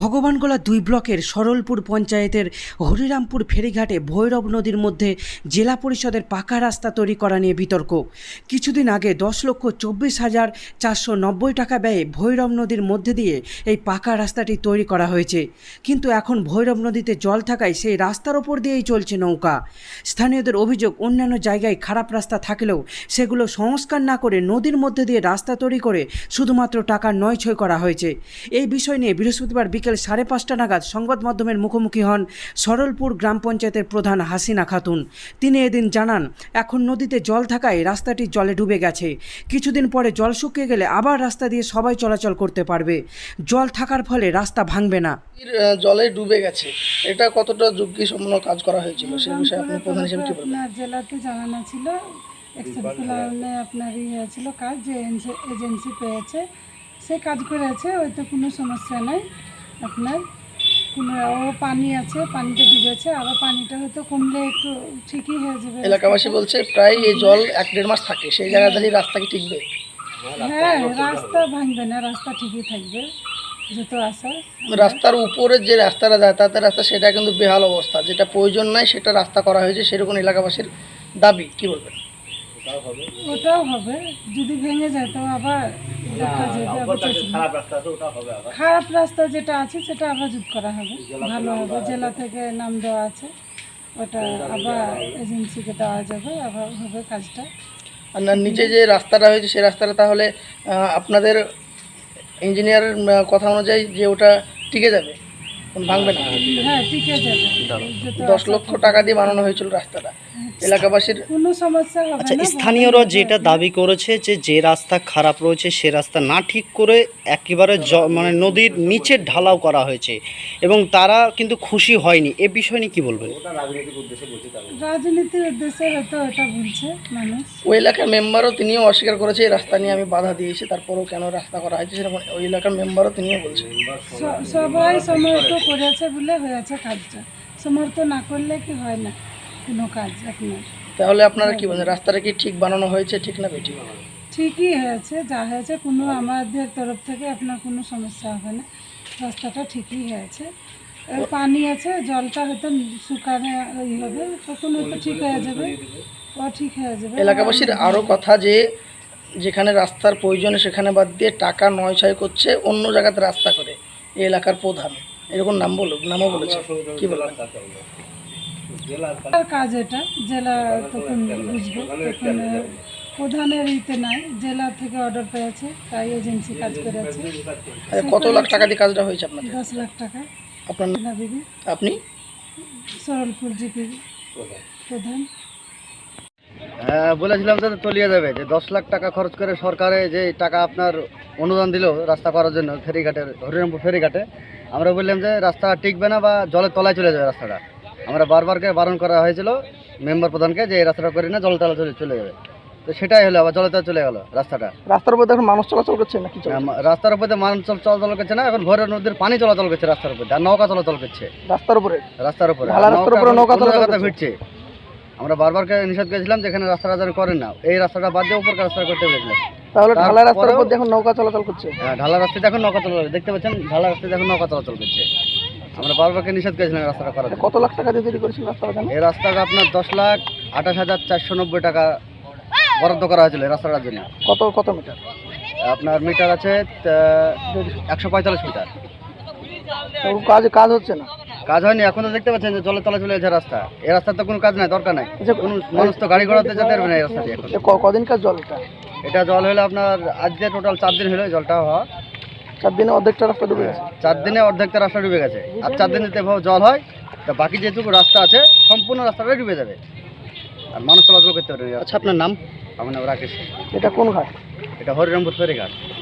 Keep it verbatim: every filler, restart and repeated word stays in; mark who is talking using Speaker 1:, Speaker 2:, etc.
Speaker 1: ভগবানগোলা দুই ব্লকের সরলপুর পঞ্চায়েতের হরিরামপুর ফেরিঘাটে ভৈরব নদীর মধ্যে জেলা পরিষদের পাকা রাস্তা তৈরি করা নিয়ে বিতর্ক। কিছুদিন আগে দশ লক্ষ চব্বিশ হাজার চারশো নব্বই টাকা ব্যয়ে ভৈরব নদীর মধ্যে দিয়ে এই পাকা রাস্তাটি তৈরি করা হয়েছে, কিন্তু এখন ভৈরব নদীতে জল থাকায় সেই রাস্তার ওপর দিয়েই চলছে নৌকা। স্থানীয়দের অভিযোগ, অন্যান্য জায়গায় খারাপ রাস্তা থাকলেও সেগুলো সংস্কার না করে নদীর মধ্যে দিয়ে রাস্তা তৈরি করে শুধুমাত্র টাকা নয়ছয় করা হয়েছে। এই বিষয় নিয়ে বৃহস্পতিবার বিকেল সাড়ে পাঁচটা নাগাদ সংবাদ মাধ্যমের মুখোমুখি হন সরলপুর গ্রাম পঞ্চায়েতের প্রধান হাসিনা খাতুন। তিনি এদিন জানান, এখন নদীতে জল থাকায় রাস্তাটি জলে ডুবে গেছে। কিছুদিন পরে জল শুকিয়ে গেলে আবার রাস্তা দিয়ে সবাই চলাচল করতে পারবে। জল থাকার ফলে রাস্তা ভাঙবে না।
Speaker 2: জলে ডুবে গেছে, এটা কতটা ঝুঁকিসম্পন্ন কাজ করা হয়েছিল সেই বিষয়ে আপনি প্রধান হিসেবে কি বলবেন?
Speaker 3: আপনার জেলাতে জানানো ছিল, এক্সেপশনালে আপনার ই হয়েছিল কাজ, যে এজেন্সি পেয়েছে সে কাজ করেছে, ওইতে কোনো সমস্যা নেই। আপনার কোনো ও পানি আছে, পানিতে ডুবেছে, আবার পানিটা হয়তো কমলে একটু ঠিকই হয়ে যাবে।
Speaker 2: এলাকাবাসী বলছে প্রায় এই জল এক দেড় মাস থাকে, সেই জায়গা থেকে রাস্তা কি টিকবে?
Speaker 3: হ্যাঁ, রাস্তা ভাঙবে না, রাস্তা ঠিকই থাকবে যত আসা।
Speaker 2: রাস্তার উপরে যে রাস্তাটা যাতায়াতের রাস্তা সেটা কিন্তু বেহাল অবস্থা, যেটা প্রয়োজন নাই সেটা রাস্তা করা হয়েছে, সেরকম এলাকাবাসীর দাবি। কি বলবেন?
Speaker 3: ওটাও হবে, যদি ভেঙে যায় তো আবার দেখা যাবে। খারাপ রাস্তা যেটা আছে সেটা আবার জুত করা হবে, ভালো হবে। জেলা থেকে নাম দেওয়া আছে, ওটা আবার এজেন্সিকে দেওয়া যাবে, আবার হবে কাজটা।
Speaker 2: আর না, নিচে যে রাস্তাটা হয়েছে সেই রাস্তাটা তাহলে আপনাদের ইঞ্জিনিয়ারের কথা অনুযায়ী যে ওটা টিকে যাবে, ভাঙবে না?
Speaker 3: হ্যাঁ, টিকে যাবে।
Speaker 2: দশ লক্ষ টাকা দিয়ে বানানো হয়েছিল রাস্তাটা, এলাকাবাসীর
Speaker 3: কোনো সমস্যা হবে
Speaker 4: আচ্ছা,
Speaker 3: না।
Speaker 4: স্থানীয়রা যেটা দাবি করেছে যে যে রাস্তা খারাপ রয়েছে সে রাস্তা না ঠিক করে একেবারে মানে নদীর নিচে ঢালাও করা হয়েছে এবং তারা কিন্তু খুশি হয়নি। এ বিষয় নিয়ে কি বলবেন?
Speaker 3: রাজনীতির উদ্দেশ্যে হয়তো এটা বলছে মানুষ।
Speaker 2: ওই এলাকার মেম্বারও তিনিও অস্বীকার করেছে এই রাস্তা নিয়ে আমি বাধা দিয়েছি, তারপরেও কেন রাস্তা করা হয়েছে সেরকম ওই এলাকার মেম্বারও তিনিও বলছেন।
Speaker 3: সবাই সমর্থন করেছে বলে হয়েছে কাজটা, সমর্থন না করলে কি হয় না কোনো কাজ আপনার।
Speaker 2: তাহলে আপনারা কি বলেন, রাস্তাটা কি ঠিক বানানো হয়েছে, ঠিক না বেঠিক?
Speaker 3: ঠিকই হয়েছে, যা হয়েছে কোনো আমাদের তরফ থেকে আপনার কোনো সমস্যা হবে না, রাস্তাটা ঠিকই হয়েছে। পানি আছে, জলটা হয়তো শুকানো ই হবে, তখন হয়তো ঠিক হয়ে যাবে, ও ঠিক হয়ে যাবে।
Speaker 2: এলাকাবাসীর আরও কথা যে যেখানে রাস্তার প্রয়োজনে সেখানে বাদ দিয়ে টাকা নয় ছয় করছে, অন্য জায়গাতে রাস্তা করে এই এলাকার প্রধান, এরকম নাম বলুক, নামও বলেছে। কি বলবেন?
Speaker 3: কাজ এটা জেলা তখন বুঝবে, তখন প্রধানের ইতে নাই, জেলা থেকে অর্ডার পেয়েছে তাই এজেন্সি কাজ করেছে।
Speaker 2: কত লাখ টাকা দিয়ে কাজটা হয়েছে আপনাদের?
Speaker 3: দশ লাখ টাকা।
Speaker 2: আপনার
Speaker 3: বিবি,
Speaker 2: আপনি
Speaker 3: সরলপুর জিপি প্রধান।
Speaker 5: হ্যাঁ, বলেছিলাম যে তলিয়ে যাবে, যে দশ লাখ টাকা খরচ করে সরকারে যে টাকা আপনার অনুদান দিল রাস্তা করার জন্য ফেরিঘাটের, হরিরামপুর ফেরিঘাটে, আমরা বললাম যে রাস্তা টিকবে না বা জলের তলায় চলে যাবে রাস্তাটা। আমরা বারবারকে বারণ করা হয়েছিল মেম্বার প্রধানকে যে এই রাস্তাটা করে না, জলের তলা চলে চলে যাবে। তো সেটাই হলো, আবার জলের তলা চলে গেল রাস্তাটা।
Speaker 2: রাস্তার উপর এখন মানুষ চলাচল করছে নাকি?
Speaker 5: রাস্তার উপরে মানুষ চলাচল করছে না, এখন ভৈরব নদীর পানি চলাচল করছে রাস্তার উপরে, আর নৌকা চলাচল করছে
Speaker 2: রাস্তার উপরে।
Speaker 5: রাস্তার উপরে নৌকা চলাচল ফিরছে। আমরা বারবারকে নিষেধ করেছিলাম যে এখানে রাস্তাটা যেন করেন না, এই রাস্তাটা বাদ দিয়ে উপর রাস্তা করতে বলেছিলাম।
Speaker 2: তাহলে ঢালা রাস্তার উপর এখন নৌকা চলাচল করছে।
Speaker 5: হ্যাঁ, ঢালা রাস্তায় এখন নৌকা চলাচল, দেখতে পাচ্ছেন ঢালা রাস্তায় এখন নৌকা চলাচল করছে। আমরা বারবারকে নিষেধ করেছিলাম রাস্তাটা করার।
Speaker 2: কত লাখ টাকা দিয়ে তৈরি করেছিল রাস্তাটা?
Speaker 5: এই রাস্তাটা আপনার দশ লাখ আঠাশ হাজার চারশো নব্বই টাকা বরাদ্দ করা হয়েছিল এই রাস্তাটার জন্য।
Speaker 2: কত কত মিটার?
Speaker 5: আপনার মিটার আছে একশো পঁয়তাল্লিশ মিটার।
Speaker 2: কাজ কাজ হচ্ছে না,
Speaker 5: কাজ হয়নি। এখন তো দেখতে পাচ্ছেন যে জলে তলা চলে যাচ্ছে রাস্তা। এই রাস্তার তো কোনো কাজ নাই, দরকার নাই, কোনো মানুষ তো গাড়ি ঘোড়াতে যেতে পারবে না এই রাস্তা দিয়ে। এখন
Speaker 2: কদিন কাজ জল? এটা
Speaker 5: এটা জল হলো আপনার আজকে টোটাল চার দিন হলো জলটা হওয়া।
Speaker 2: চার দিনে অর্ধেকটা রাস্তা ডুবে গেছে।
Speaker 5: চার দিনে অর্ধেকটা রাস্তা ডুবে গেছে, আর চার দিন যদি জল হয় তা বাকি যেটুকু রাস্তা আছে সম্পূর্ণ রাস্তাটাই ডুবে যাবে, আর মানুষ চলাচল করতে পারবে।
Speaker 2: আচ্ছা, আপনার নাম?
Speaker 5: আমার নাম রাকেশ।
Speaker 2: এটা কোন ঘাট?
Speaker 5: এটা হরিরামপুর ফেরিঘাট।